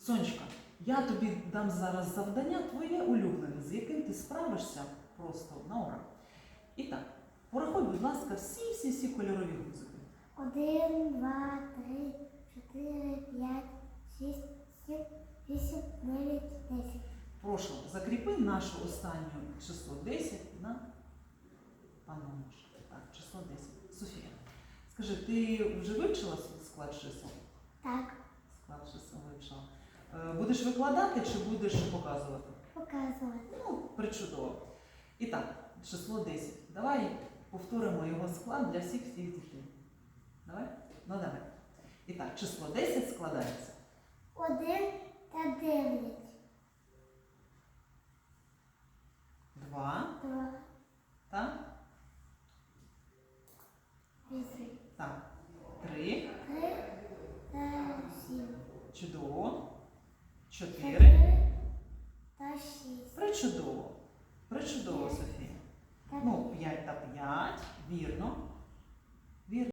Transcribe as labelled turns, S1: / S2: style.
S1: Сонечка, я тобі дам зараз завдання твоє улюблене, з яким ти справишся просто на ура. І так, порахуй, будь ласка, всі кольорові гудзики.
S2: 1, 2, 3, 4, 5, 6, 7, 8, 9, 10.
S1: Прошу, закріпи нашу останню число 10 на паномаш. Так, число 10. Софія, скажи, ти вже вивчила склад чисел?
S2: Так,
S1: Склад чисел вивчила. Будеш викладати чи будеш показувати?
S2: показувати.
S1: Ну, причудово. І так, число 10. Давай повторимо його склад для всіх дітей. Давай? Ну давай. І так, число 10 складається.
S2: 1 та 9.
S1: 2.
S2: 2,
S1: Так?
S2: 8.
S1: Так. 3.
S2: 3 та 7.
S1: Чудово. 4.
S2: 4 та 6.
S1: Причудово. Причудово, Софія. Ну, 5 та 5. Вірно. Вірно.